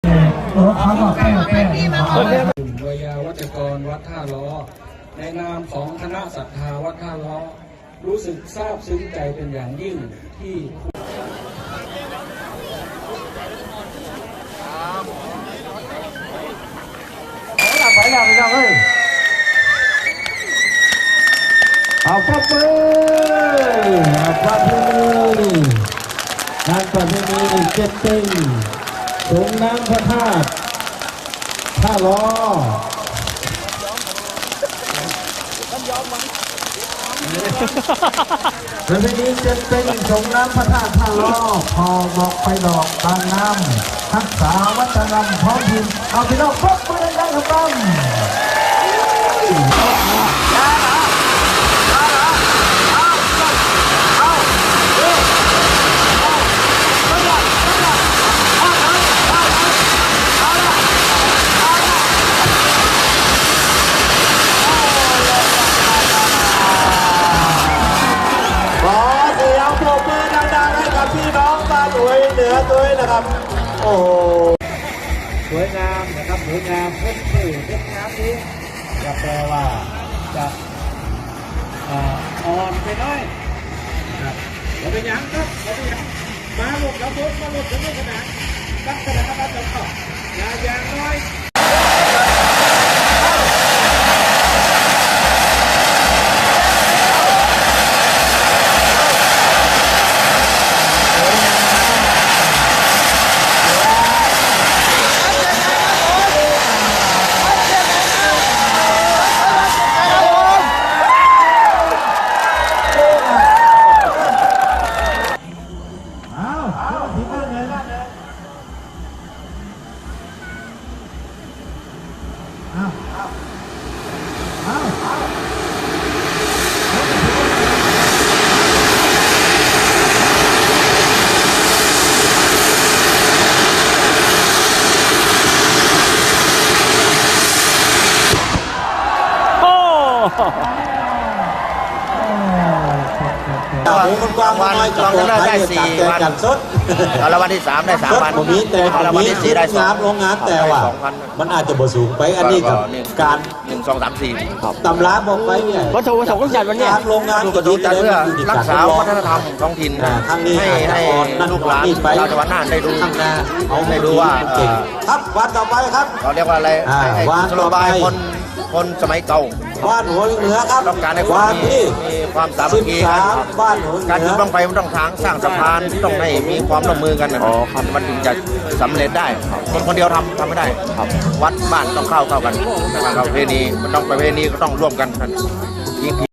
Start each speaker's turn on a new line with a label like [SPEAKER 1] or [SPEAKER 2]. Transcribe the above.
[SPEAKER 1] วิยาวัจกรวัดท่าล้อในนามของคณะศรัทธาวัดท่าล้อรู้สึกซาบซึ้งใจเป็นอย่างยิ่งที่
[SPEAKER 2] ไปแล้วไปแล้วเฮ้ยเอาพระมืองานประเพณีเจ็ดตึงส่งน้ำพระธาตุท่าล้อประเพณีเจ็ดตึงส่งน้ำพระธาตุท่าล้อพอบอกไปดอกบางน้ำทักษาวัฒนธรรมท้องถิ่นเอาพี่น้องพบมือดังๆครับ ขอเสียงปรบมือดังๆให้กับพี่น้องบ้านหวยเหนือด้วยนะครับโอ้สวยงามนะครับสวยงามพ้นชื่อเล็กน้ำนี้จะแปลว่าจะอ่อนไปน้อยครับเราเป็นยังครับเราเป็นยังมาหลบแล้วพ้นมาหลบแล้วไม่ขนาดตั้งขนาดนั้นจะเข้าอย่างน้อย
[SPEAKER 3] วันได้4 วันรางวัลที่3ได้3 วันรางวัลที่4ได้2
[SPEAKER 2] โรงงานแต่ว่ามันอาจจะบ่สูงไปอันนี้กับการ
[SPEAKER 3] 1 2 3 4
[SPEAKER 2] ตำราบอกไปเนี่ย
[SPEAKER 4] วัตถุประสงค์ของจัดวันนี้
[SPEAKER 2] โรงงาน
[SPEAKER 3] ก็ดูจัดเพื่อรักษาวัฒนธรรมท้องถิ่นให้ลูกหลานชาวจังหวัดน่านได้ดูได้ดูว่า
[SPEAKER 2] ครับวันต่อไปครับ
[SPEAKER 3] เขาเรียกว่าอะไรสโลบายคนสมัยเก่า
[SPEAKER 2] บ้านหัวเหนือครับ
[SPEAKER 3] ต้องการให้คนมีความสามัคคีกัน
[SPEAKER 2] บ้านหัวเหนือ
[SPEAKER 3] การจุดบั้งไฟมันต้องสร้างสะพานต้องให้มีความร่วมมือกันมันถึงจะสำเร็จได้คนเดียวทำไม่ได้วัดบ้านต้องเข้ากันประเพณีมันต้องประเพณีก็ต้องร่วมกัน